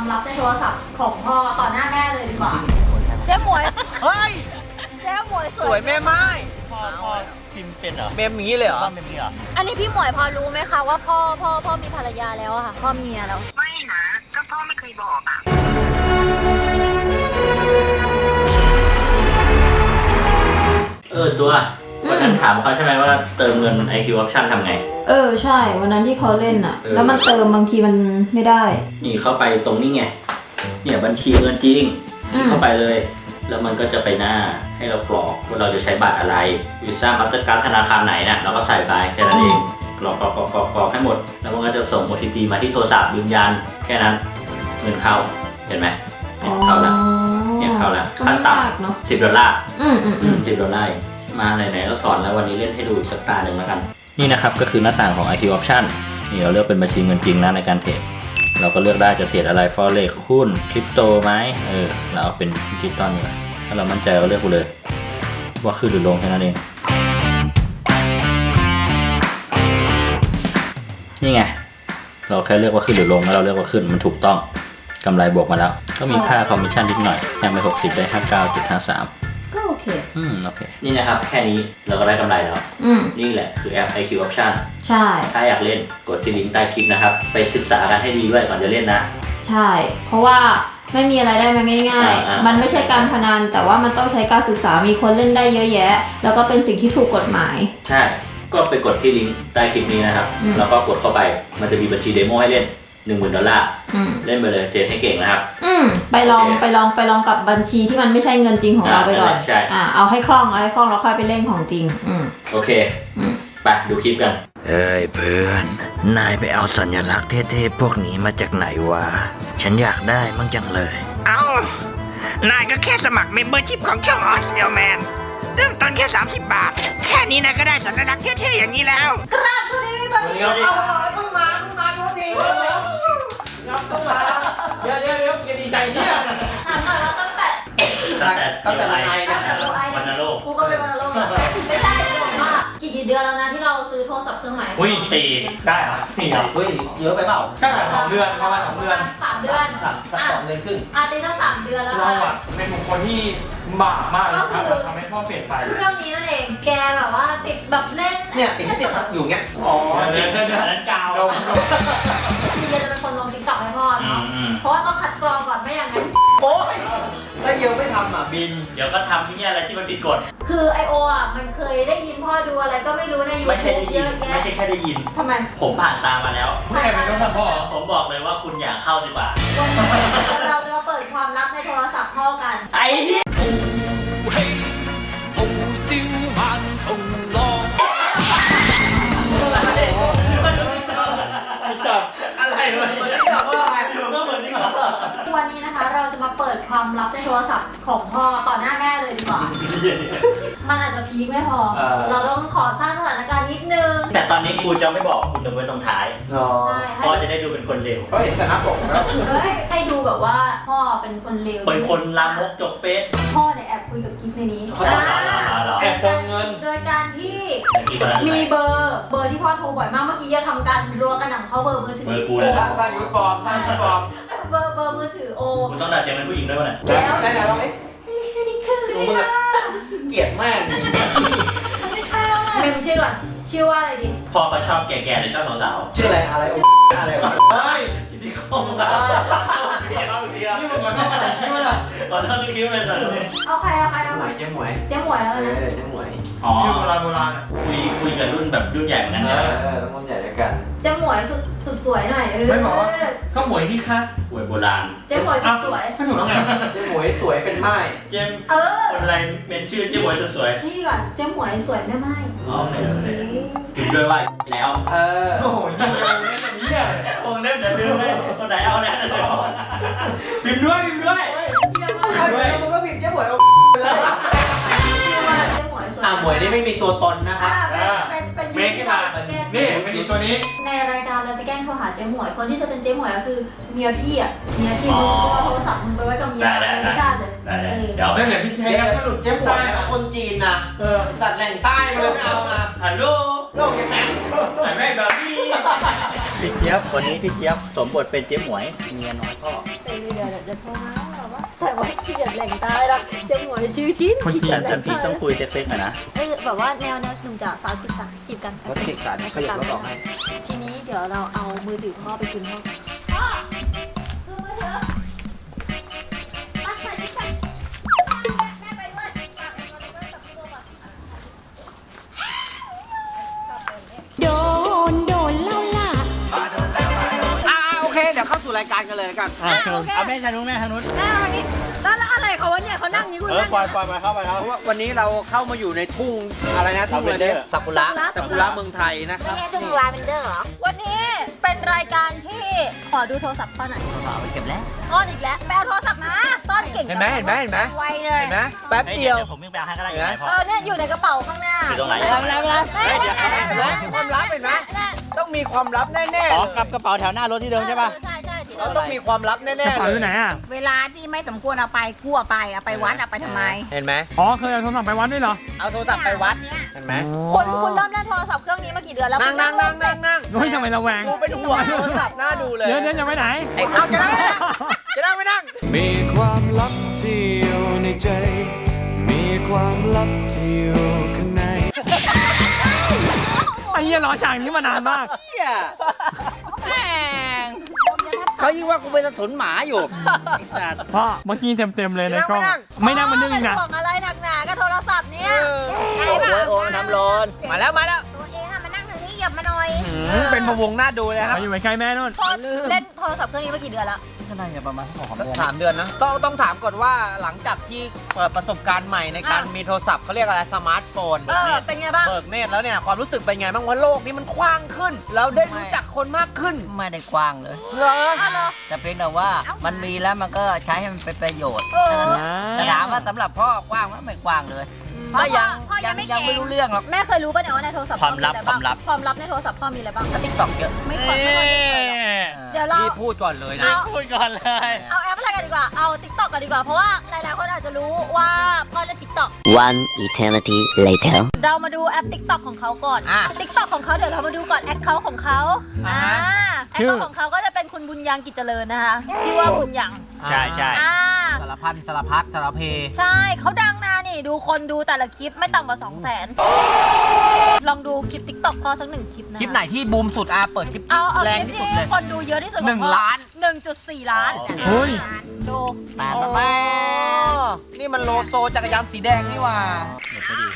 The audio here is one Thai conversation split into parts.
ลับในโทรศัพท์ของพ่อต่อหน้าแม่เลยดีกว่าเจ๊หมวยเฮ้ยเจ๊หมวยสวยแม่ไม้พ่อพิมพ์เป็นเหรอเมมอย่างนี้เลยเหรอบ้านเป็นนี่เหรออันนี้พี่หมวยพอรู้ไหมคะว่าพ่อมีภรรยาแล้วอะค่ะพ่อมีเมียแล้วไม่นะก็พ่อไม่เคยบอกอ่ะตัววันนั้นถามเขาใช่ไหมว่าเติมเงิน IQ Option ทำไงใช่วันนั้นที่เขาเล่นอะแล้วมันเติมบางทีมันไม่ได้นี่เข้าไปตรงนี้ไงเนี่ยบัญชีเงินจริงคลิกเข้าไปเลย แล้วมันก็จะไปหน้าให้เรากรอกว่าเราจะใช้บัตรอะไรวีซ่ามาสเตอร์การ์ดธนาคารไหนนะเราก็ใส่ไปแค่นั้นเองกรอกให้หมดแล้วมันก็จะส่ง OTP มาที่โทรศัพท์ยืนยันแค่นั้นเงินเข้าเห็นไหมเนี่ยเข้าแล้วเนี่ยเข้าแล้วขั้นต่ำ$10$10มาไหนๆก็สอนแล้ววันนี้เล่นให้ดูอีกสักตาหนึ่งแล้วกันนี่นะครับก็คือหน้าต่างของ IQ Option นี่เราเลือกเป็นบัญชีเงินจริงนะในการเทรดเราก็เลือกได้จะเทรดอะไร Forex หุ้นคริปโตไหมเราเอาเป็นดิจิตอลเลยถ้าเรามั่นใจเราเลือกไปเลยว่าขึ้นหรือลงแค่นั้นเองนี่ไงเราแค่เลือกว่าขึ้นหรือลงแล้วเราเลือกว่าขึ้นมันถูกต้องกำไรบวกมาแล้วก็มีค่าคอมมิชชั่นนิดหน่อยยังไป60ได้ 59.53 ก็โอเคโอเคนี่นะครับแค่นี้เราก็ได้กำไรแล้วนี่แหละคือแอป IQ Option ใช่ถ้าอยากเล่นกดที่ลิงก์ใต้คลิปนะครับไปศึกษากันให้ดีด้วยก่อนจะเล่นนะใช่เพราะว่าไม่มีอะไรได้มาง่ายๆมันไม่ใช่การพนันแต่ว่ามันต้องใช้การศึกษามีคนเล่นได้เยอะแยะแล้วก็เป็นสิ่งที่ถูกกฎหมายใช่ก็ไปกดที่ลิงก์ใต้คลิปนี้นะครับแล้วก็กดเข้าไปมันจะมีบัญชีเดโมให้เล่น$10,000เล่นไปเลยเทรดให้เก่งนะครับไปลองกับบัญชีที่มันไม่ใช่เงินจริงของเราไปก่อนเอาให้คล่องแล้วค่อยไปเล่นของจริงโอเคไปดูคลิปกันเฮ้ยเพื่อนนายไปเอาสัญลักษณ์เท่ๆพวกนี้มาจากไหนวะฉันอยากได้มั่งจังเลยนายก็แค่สมัครเมมเบอร์ชิพของช่องออสเดียแมนเริ่มต้นแค่30 บาทแค่นี้นายก็ได้สัญลักษณ์เท่ๆอย่างนี้แล้วกราบสวัสดีพี่บอลเพิ่งมาโทษทีครับต้องมาเดี๋ยวอย่าดีใจเนี่ยถามหน่อยว่าตั้งแต่วันไอนะวันนรกกูก็เป็นวันนรกไม่ใช่จะบอกว่ากี่เดือนแล้วนะที่เราซื้อโทรศัพท์เครื่องใหม่ 4ได้เหรอ4 ครับเยอะไปเปล่าใช่2 เดือนประมาณ2 เดือน 3 เดือน 2 เดือนครึ่งตีตั้ง3 เดือนแล้วเราอะเป็นบุคคลที่บาปมากนะครับทำให้พ่อเปลี่ยนไปเครื่องนี้นั่นเองแกแบบว่าติดแบบเล่นเนี่ยติดอยู่เงี้ยเดือนนั้นกาวคือจะเป็นคนลงติ๊กต็อกให้พ่อเนาะเพราะว่าต้องคัดกรองก่อนไม่อย่างนั้นโอ้ยถ้าเยอะไม่ทำบินเดี๋ยวก็ทำที่นี่อะไรที่มันผิดกฎคือไอโอมันเคยได้ยินพ่อดูอะไรก็ไม่รู้ในยูทูบเยอะแยะไม่ใช่แค่ได้ยินทำไมผมผ่านตามมาแล้วไม่ใช่เป็นโทรศัพท์พ่อผมบอกเลยว่าคุณอย่าเข้าดีกว่าวันนี้เราจะมาเปิดความลับในโทรศัพท์พ่อกันไอ้เหี้ยอะไรวะวันนี้นะคะเราจะมาเปิดความลับในโทรศัพท์ของพ่อต่อหน้าแม่เลยดีกว่ามันอาจจะพีคไม่พอเราต้องขอสร้างสถานการณ์นิดนึงแต่ตอนนี้กูจะไม่บอกกูจะไว้ตรงท้ายพ่อจะได้ดูเป็นคนเลวเขาเห็นแต่หน้าปกแล้วให้ดูแบบว่าพ่อเป็นคนเลวเป็นคนลามกจกเป๊ะพ่อเนี่ยแอบคุยกับกิ๊ฟในนี้แอบโกงเงินโดยการที่มีเบอร์ที่พ่อโทรบ่อยมากเมื่อกี้จะทำการรัวกระหน่ำเข้าเบอร์มือถือกูนะสร้างยูนิฟอร์มเบอร์มือถือโอคุณต้องด่าเสียงเป็นผู้หญิงด้วยมั้ยได้แล้วไหมเกลียดมากเมมชื่อก่อนชื่อว่าอะไรดีพ่อเขาชอบแก่ๆหรือชอบสาวๆชื่ออะไรเฮ้ยกิติคมนะนี่มึงมาเข้ามาไหนคิดว่าล่ะก่อนหน้าที่คิดเลยสิเอาใครเจ๊หมวยแล้วนะเจ๊หมวยชื่อโบราณคุยกับรุ่นแบบรุ่นใหญ่เหมือนกันนะต้องรุ่นใหญ่ด้วยกันเจ๊หมวยสุดสวยหน่อยไม่บอกว่าข้าวหมวยนี่ค่ะหวยโบราณเจ๊หมวยสุดสวยไม่ถูกแล้วไงเจ๊หมวยสวยเป็นไม้เจ๊คนอะไรเป็นชื่อเจ๊หมวยสุดสวยนี่ก่อนเจ๊หมวยสวยแม่ไม้โอเคพิมพ์ด้วยว่าแล้วโอ้โหยิ่งเร็วเนี่ยแบบนี้เนี่ยโอ้เล่นจะลืมเลยคนไหนเอาแล้วพิมพ์ด้วยมันก็พิมพ์เจ๊หมวยเอาไปเลยหมวยนี่ไม่มีตัวตนนะครับเมคขึ้นมานี่เป็นตัวนี้ในรายการเราจะแกล้งโทรหาเจ๊หมวยคนที่จะเป็นเจ๊หมวยก็คือเมียพี่เมียพี่มึงเอาโทรศัพท์มึงไปไว้กับเมียในชาติเลยเดี๋ยวไม่เหลือพี่แท้ก็หลุดเจ๊หมวยคนจีนนะตัดแหล่งใต้มาเลยไม่เอานะฮัลโหลโลกแข็งแม่แบบนี้พี่เจี๊ยบวันนี้พี่เจี๊ยบสมบทเป็นเจ๊หมวยเมียน้อยพ่อเดี๋ยวจะโทรมาแล้วว่าแต่ว่าขี้เกียจแหล่งตายแล้วจะหมวยชื่อชิ้นขี้เกียจแหล่แต่งพี่ตายต้องคุยเซ็กๆหน่อยนะแบบว่าแนวหนุ่มจ๋าสาวจีบกันรถติดกันขยับรถออกให้ทีนี้เดี๋ยวเราเอามือถือพ่อไปคืนพ่อพ่อคือมือถือมาใส่ที่ใส่แม่ไปด้วยโดนเล่าล่ะโอเคเดี๋ยวเข้าสู่รายการกันเลยกันเอาแม่ทางนู้นแม่ทางนู้นแม่วันนี้แล้วอะไรเขาวะเนี่ยเขานั่งนี้คุณนั่งปล่อยมาเข้าไปครับเพราะว่าวันนี้เราเข้ามาอยู่ในทุ่งอะไรนะทุ่งอะไรเนี่ยซากุระเมืองไทยนะครับไม่ใช่ทุ่งลาเวนเดอร์เหรอวันนี้เป็นรายการที่ขอดูโทรศัพท์พ่อหน่อยเอาไปเก็บแล้วซ่อนอีกแล้วแปลโทรศัพท์มาซ่อนเก่งเห็นไหมไวเลยเห็นไหมแป๊บเดียวผมวิ่งไปเอาให้ก็ได้อยู่ไหนพ่อเนี่ยอยู่ในกระเป๋าข้างหน้าอยู่ตรงไหนแล้วเห็นไหมมีความลับเห็นไหมต้องมีความลับแน่ๆอ๋อกลับกระเป๋าแถวหน้ารถที่เดิมใช่ป่ะใช่ที่เราต้องมีความลับแน่ๆเลยเวลาที่ไม่สมควรเอาไปกู้เอาไปวัดเอาไปทำไมเห็นไหมอ๋อเคยเอาโทรศัพท์ไปวัดด้วยเหรอเอาโทรศัพท์ไปวัดเห็นไหมคุณเริ่มเล่นโทรศัพท์เครื่องนี้มากี่เดือนแล้วนั่งเฮ้ยทำไมระแวงกูเป็นห่วงโทรศัพท์น่าดูเลยเดี๋ยวจะไปไหนไอ้เอาจะนั่งไม่นั่งมีความลับที่อยู่ในใจ มีความลับที่อยู่ข้างในไอ้เหี้ยรอฉากนี้มานานมากแม่งเขายิ่งว่ากูเป็นสถุนหมาอยู่พ่อเมื่อกี้เต็มเลยในกล้อง ไม่นั่งมันนึงอีกนะบอกอะไรหนักหนากับโทรศัพท์เนี่ยโอ้น้ำร้อนมาแล้วตัวเองอะมานั่งทางนี้เหยียบมาหน่อยเป็นพะวงน่าดูเลยครับมาอยู่ใกล้แม่นู่นเล่นโทรศัพท์เครื่องนี้มากี่เดือนแล้วก็น่าจะประมาณ2 เดือน 3 เดือนนะต้องถามก่อนว่าหลังจากที่เปิดประสบการณ์ใหม่ในการมีโทรศัพท์เขาเรียกอะไรสมาร์ทโฟนเป็นไงบ้างเบิกเนตรแล้วเนี่ยความรู้สึกเป็นไงบ้างว่าโลกนี้มันกว้างขึ้น แล้วได้รู้จักคนมากขึ้นไม่ได้กว้างเลยเหรอแต่เพียงแต่ว่ามันมีแล้วมันก็ใช้ให้มันเป็นประโยชน์อ่าแต่ถามว่าสำหรับพ่อกว้างไหมไม่กว้างเลยก็ยังไม่รู้เรื่องหรอกแม่เคยรู้ป่ะเนี่ยว่าในโทรศัพท์ความลับในโทรศัพท์พ่อมีอะไรบ้างติ๊กต็อกเยอะไม่ค่อยเดี๋ยวเราพี่พูดก่อนเลยนะพูดก่อนเลยเอาแอปอะไรกันดีกว่า เอา TikTok กันดีกว่า เพราะว่าหลายๆคนอาจจะรู้ว่าพ่อเล่น TikTok One eternity later เรามาดูแอป TikTok ของเขาก่อน TikTok ของเขาเดี๋ยวเรามาดูก่อนแอคเคาท์ของเขาแอคเคาท์ของเขาก็จะเป็นคุณบุญยังกิจเจริญนะคะชื่อว่าบุญยังใช่ใช่สารพันสารพัดสารเพใช่เขาดังนะนี่ดูคนดูแต่ละคลิปไม่ต่ำกว่า 200,000 ลองดูคลิป TikTok พ่อสัก1 คลิปนะคลิปไหนที่บูมสุดเปิดคลิปเอาแรงคลิปที่สุดที่เลยคนดูเยอะที่สุดของพ่อ 1 ล้าน 1.4 ล้านเฮ้ยดูแต่โอ้นี่มันโลโซจักรยานสีแดงนี่หว่าเดี๋ยวไปดู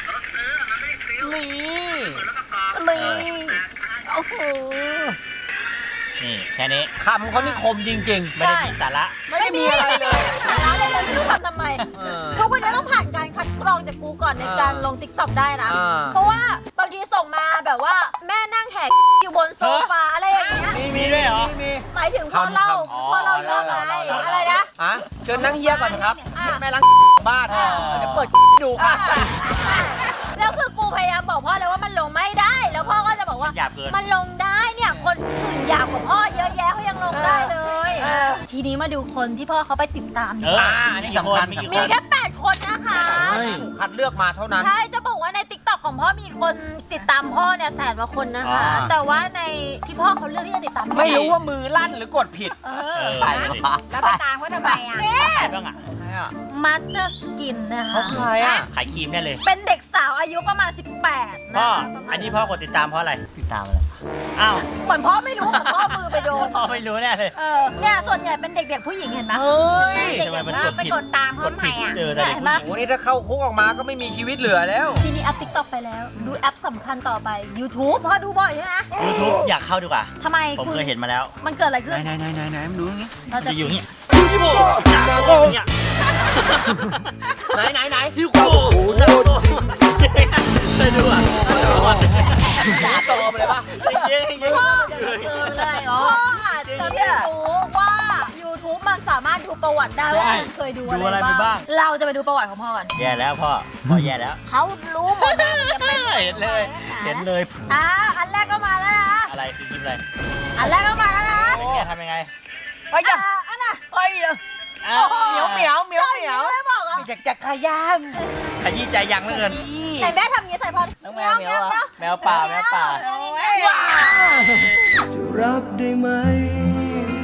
นี่โอ้โหนี่แค่นี้คำเขานี่คมจริงไม่ได้มีสาระๆ ไม่ได้มีอะไรเลยสาระเลยเลยไม่รู้ทำไม ทุกวันนี้ต้องผ่านการคัดกรองจากกูก่อนในการลง TikTok ได้นะ เพราะว่าบางทีส่งมาแบบว่าแม่นั่งแหกอยู่บนโซฟาอะไรอย่างเงี้ยมีด้วยเหรอหมายถึงพ่อเล่าเรื่องอะไรอะไรนะเชิญนั่งเฮียก่อนครับ แม่ล้างบ้านเดี๋ยวเปิดดูค่ะแล้วคือกูพยายามบอกพ่อเลยว่ามันลงไม่ได้ แล้วพ่อก็จะบอกว่าหยาบเกินมันลงได้เนี่ยคนอื่นหยาบกว่าพ่อเยอะแยะเขายังลงได้เลย ทีนี้มาดูคนที่พ่อเขาไปติดตามดีกว่าอันนี้สำคัญมีแค่ 8 คนนะคะถูกคัดเลือกมาเท่านั้นใช่ จะบอกว่าใน TikTok ของพ่อมีคนติดตามพ่อเนี่ย100,000 กว่าคนนะคะ แต่ว่าในที่พ่อเขาเลือกที่จะติดตามไม่รู้ว่ามือลั่นหรือกดผิดใครแล้วไปตามเขาทำไมอ่ะบ้างอ่ะมัตเตอร์สกินนะคะเขาใครอ่ะขายครีมได้เลยเป็นเด็กสาวอายุประมาณ 18 พ่อนะคะอันนี้พ่อกดติดตามเพราะอะไร ติดตามอะไร อ้าวเหมือนพ่อไม่รู้เหมือนพ่อมือไปโดนพ่อไม่รู้แน่เลยเนี่ยส่วนใหญ่เป็นเด็กๆผู้หญิงเห็นไหมเฮ้ยทำไมมันกดไปผิดกดตามเขาทำไมอ่ะแต่เด็กผู้หญิงโอ้นี่ถ้าเข้าคุกออกมาก็ไม่มีชีวิตเหลือแล้วทีนี้แอป TikTok ไปแล้ว ดูแอปสำคัญต่อไป YouTube พ่อดูบ่อยใช่ไหม YouTube อยากเข้าดีกว่าทำไมผมเคยเห็นมาแล้วมันเกิดอะไรขึ้นไหนมันดูอย่างงี้เราจะจะอยู่เนี่ยไหนที่กูเคยดูอ่ะด่าตอมเลยป่ะพ่ออาจจะไม่รู้ว่า YouTube มันสามารถดูประวัติได้ว่าคุณเคยดูอะไรบ้าง เราจะไปดูประวัติของพ่อก่อนแย่แล้วพ่อแย่แล้วเขารู้หมดเลยจะเป็นเห็นเลย เห็นเลยอันแรกก็มาแล้วนะอะไรคือคลิปอะไรอันแรกก็มาแล้วนะแกทำยังไงไอ้ยะอันน่ะไอ้ยะเหมียวไม่บอกอ่ะอยากจะขยขยี้ใจยังเหลือเกินไหนแม่ทำงี้ใส่พ่อน้องแมวแมวป่าจะรับได้ไหม ถ้า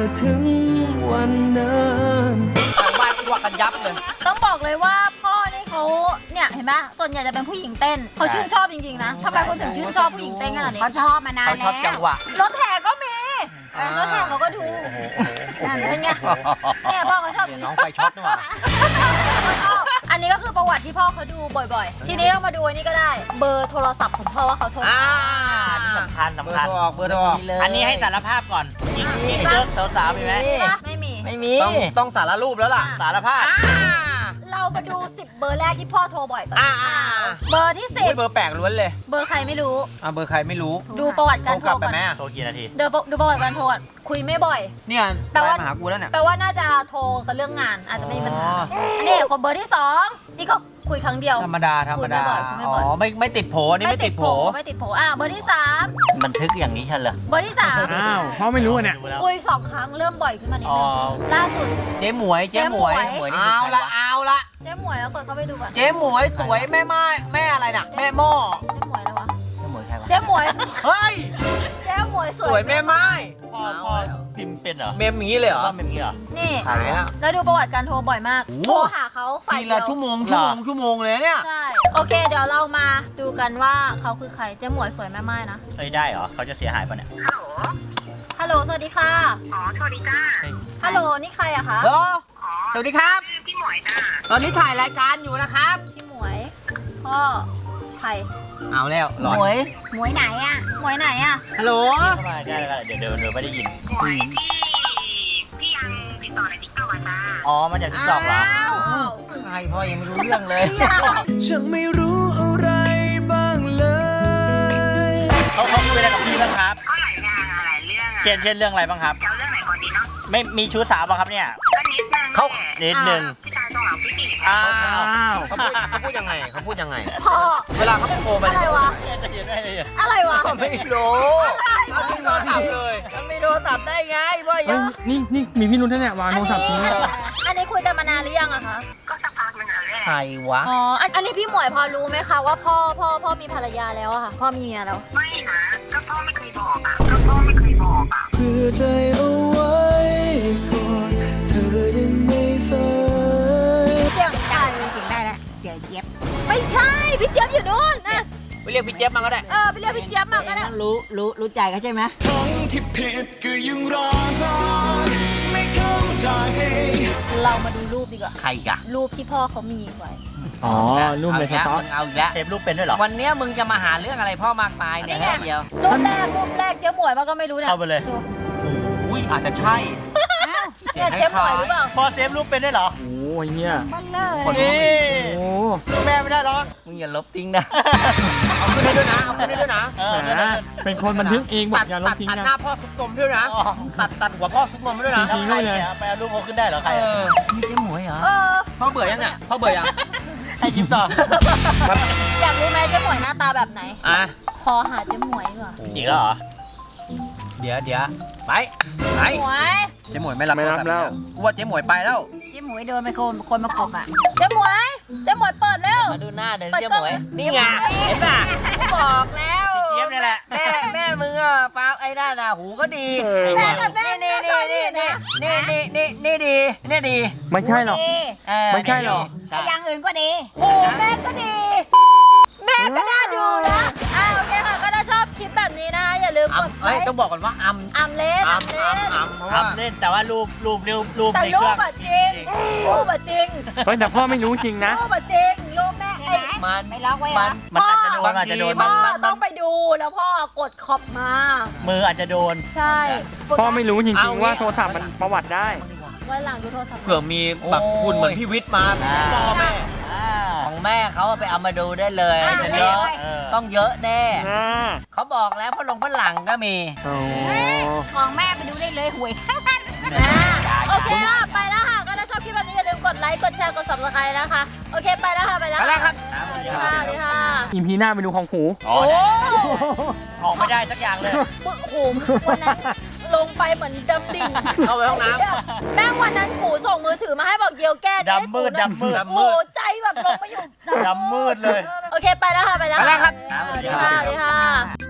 ถึงวันนั้นทางบ้านกวักกันยับเลยต้องบอกเลยว่าพ่อนี่เขาเนี่ยเห็นไหมส่วนใหญ่จะเป็นผู้หญิงเต้นเขาชื่นชอบจริงๆนะทำไมคนถึงชื่นชอบผู้หญิงเต้นขนาดนี้เขาชอบมานานเขาชแล้อบจังวหวะรถแห่ก็มีรถแห่เขาก็ดูนั่นเป็นไงเนี่ยพ่อเขาชอบอย่างน้นี้องไฟช็อตนี่หว่าเขาชอบอันนี้ก็คือประวัติที่พ่อเขาดูบ่อยๆ ทีนี้เรามาดูอันนี้ก็ได้เบอร์โทรศัพท์ของพ่อว่าเขาโทรนี่สำคัญเบอสำร์คัญโทรออกเบอร์โทรออกอันนี้ให้สารภาพก่อนจริงเยอะสาวๆมีไหมไม่มีไม่มีต้องสารรูปแล้วล่ะสารภาพเรามาดู10เบอร์แรกที่พ่อโทรบ่อยตอนอ่านี้เบอร์ที่เบอร์แปลกล้วนเลย 10เบอร์ใครไม่รู้เบอร์ใครไม่รู้ดูประวัติโทการรโทกลัรบไปก่อนไหมอะโทรกี่นาทีดูประวัติการโทรก่อนคุยไม่บ่อยเนี่ยแปลไลว่าน์มาหากูแล้วเนี่ยแปลว่าน่าจะโทรกันเรื่องงานอาจจะไม่มีปัญหาอันนี้คนเบอร์ที่2นี่ก็คุยครั้งเดียวธรรมดาธรรมดาคุยไม่บ่อยอ๋อไม่ติดโผอันนี้ไม่ติดโผไม่ติดโผเบอร์ที่3 บันทึกอย่างนี้ใช่เหรอเบอร์ที่3 อ้าวพ่อไม่รู้อะเนี่ยคุย2 ครั้งเริ่มบ่อยขึ้นมานิดอ๋อนึงล่าสุดเจ๊หมวยเจ๊หมวยเจ๊หมวยเอาละเอาละเจ๊หมวยแล้วกดเข้าไปดูก่อนเจ๊หมวยสวยแม่ไม้แม่อะไรน่ะแม่หม้อเจ๊หมวยแล้ววะไม่เหมือนใครวะเจ๊หมวยเฮ้ยเจ๊หมวยสสวยแม่ไม้พ่อพิมพ์เป็นเหรอเมมอย่างนี้เลยเหรอว่าเป็นอย่างนี้เหรอนี่หายแล้วแล้วดูประวัติการโทรบ่อยมากโอ้โทรหาเขาฝ่ายทีเดีละยวชั่วโมงเหรอเลยเนี่ยใช่ โอเค เดี๋ยวเรามาดูกันว่าเขาคือใคร เจ๊หมวยสวยแม่ไม้นะเอ้ยได้เหรอเขาจะเสียหายป่ะเนี่ยฮัลโหล สวัสดีค่ะอ๋อ สวัสดีจ้าฮัลโหล นี่ใครอะคะฮัลโหลสวัสดีครับพี่หมวยจ้าตอนนี้ถ่ายรายการอยู่นะครับพี่หมวย พ่อ ใครเอาแล้วหลอนหมวยไหนอ่ะหมวยไหนอะฮัลโหลเข้ามาได้เดี๋ยวไม่ได้ยินหมวยพี่ยังติดต่อในติ๊กต็อกอ่ะจ้าอ๋อมาจากทิกตอกเหรออ้าวใครพ่อยังไม่รู้เรื่องเลยฉันไม่รู้อะไรบ้างเลยเขาคุยอะไรกับพี่บ้างครับก็หลายอย่างอะหลายเรื่องอ่ะเช่นเรื่องอะไรบ้างครับจะเอาเรื่องไหนก่อนดีเนาะไม่มีชู้สาวบ้างครับเนี่ยก็นิดนึงเขานิดนึงพี่ชายต้องหลังพี่ปีกอ้าวเขาพูดยังไงเขาพูดยังไงพ่อเวลาเขาโทรไปอะไรวะจะเย็นได้เลยอะไรวะไม่รู้เขาทิ้งโทรศัพท์เลยมันไม่โทรศัพท์ได้ไงพ่อเฮ้ยนี่มีพี่นุ้นแน่ๆวางโทรศัพท์ทิ้งอันนี้คุยกันมานานหรือยังอะคะก็สักพักนึงอ่ะแหละใครวะอ๋อ อันนี้พี่หมวยพอรู้ไหมคะว่าพ่อมีภรรยาแล้วอะค่ะ พ่อมีเมียแล้วไม่นะก็พ่อไม่เคยบอกอ่ะก็พ่อไม่เคยบอกอ่ะเพื่อใจเอาไว้ก่อนเธอยังไม่ฝันเสียงใครจริงได้แล้วเสียเย็บไม่ใช่ พี่เจี๊ยบอยู่นู่นนะไปเรียกพี่เจี๊ยบมาก็ได้ไปเรียกพี่เจี๊ยบมาก็ได้รู้ใจเขาใช่ไหมทั้งที่ผิดก็ยังรอไม่เข้าใจเรามาดูรูปดีกว่าใครกะรูปที่พ่อเขามีไว้อ๋อรูปในสต็อกเอาอีกแล้วเทปรูปเป็นด้วยเหรอวันนี้มึงจะมาหาเรื่องอะไรพ่อมากมายเนี่ยนี่ไงเดียวรูปแรกเจ๊หมวยมาก็ไม่รู้เนี่ยเข้าไปเลยดูอุ้ยอาจจะใช่เนี่ยเจ๊หมวยหรือเปล่าพอเซฟรูปเป็นด้วยเหรอโอ้ยเนี่ยมันเลยนี่โอ้แม่ไม่ได้หรอกมึงอย่าลบทิ้งนะ เอาขึ้นได้ด้วยนะ เอาขึ้นได้ด้วยนะแหมเป็นคนบันทึกเองบอกอย่าลบทิ้งตัดนะหน้าพ่อซุกนมด้วยนะ ตัดหัวพ่อซุกนมด้วยนะจริงใครเนี่ยไปเอารูปเขาขึ้นได้เหรอใครเออะอนี่เจ๊หมวยเหรอพ่อเบื่อยังเนี่ยพ่อเบื่อยังให้ชิปต่ออยากรู้ไหมเจ๊หมวยหน้าตาแบบไหนอ่ะพอหาเจ๊หมวยดีกว่าจริงแล้วเหรอเดี๋ยวไปไหนหมวยเจ๊หมวยไม่รับไม่รับแล้วกูว่าเจ๊หมวยไปแล้วเจ๊หมวยโดนไปคนมาขบอ่ะเจ๊หมวยเปิดเร็วมาดูหน้าเดี๋ยวเปิดเจ๊กหล้องมวยนี่ไงเห็นป่ะกูบอกแล้วพี่เจี๊ยบนี่แหละแม่มึงอ่ะฟ้าไอ้นั่นน่ะหูก็ดีแม่กับแม่นี่แม่ดีนะนี่ดีไม่ใช่หรอก ไม่ใช่หรอใช่อย่างอื่นก็ดีโอ้แม่ก็ดี แม่ก็น่าดูนะโอเคค่ะ ก็ถ้าชอบคลิปแบบนี้นะคะอย่าลืมกดไลเฮ้ยค์ต้องบอกก่อนว่าอัมอัมเล่นอัมเพราะว่าทำเล่นแต่ว่ารูปแต่ในรูเครื่ปองอะจริงรูปอะจริงเฮ้ยแต่พ่อไม่รู้จริงนะรูปอะจริงรูปแม่ไอ้มันไม่ล็อกไว้มัอะนมันอาจจะโดนอาจจะโดนพ่อต้องไปดูแล้วพ่อกดขอบมามืออาจจะโดนใช่พ่อไม่รู้จริงๆว่าโทรศัพท์มันประวัติได้วันหลังดูโทรศัพท์เผื่อมีแบบคุณเหมือนพี่วิทย์มาพ่อแม่ของแม่เขาไปเอามาดูได้เลยจะเยอะต้องเยอะแน่เขาบอกแล้วพลังฝรั่งก็มีโอ้ของแม่ไปดูได้เลยหวยโอเคค่ะไปแล้วค่ะ ก็ถ้าชอบคลิปแบบนี้อย่าลืมกดไลค์ กดแชร์ กด subscribe นะคะ โอเค ไปแล้วค่ะ ไปแล้วไปแล้วครับสวัสดีค่ะสวัสดีค่ะอีพีหน้าไปดูของหูอ๋อออกไม่ได้สักอย่างเลยโอ้โหวันนั้นลงไปเหมือนดำดิ่งเอาไปห้องน้แม่งวันนั้นขู่ส่งมือถือมาให้บอกเกียวแก้ดำมืดโอ้โหใจแบบลงไปอยู่ดำมืดเลยโอเค ไปแล้วค่ะ ไปแล้วไปแล้วครับสวัสดีค่ะสวัสดีค่ะ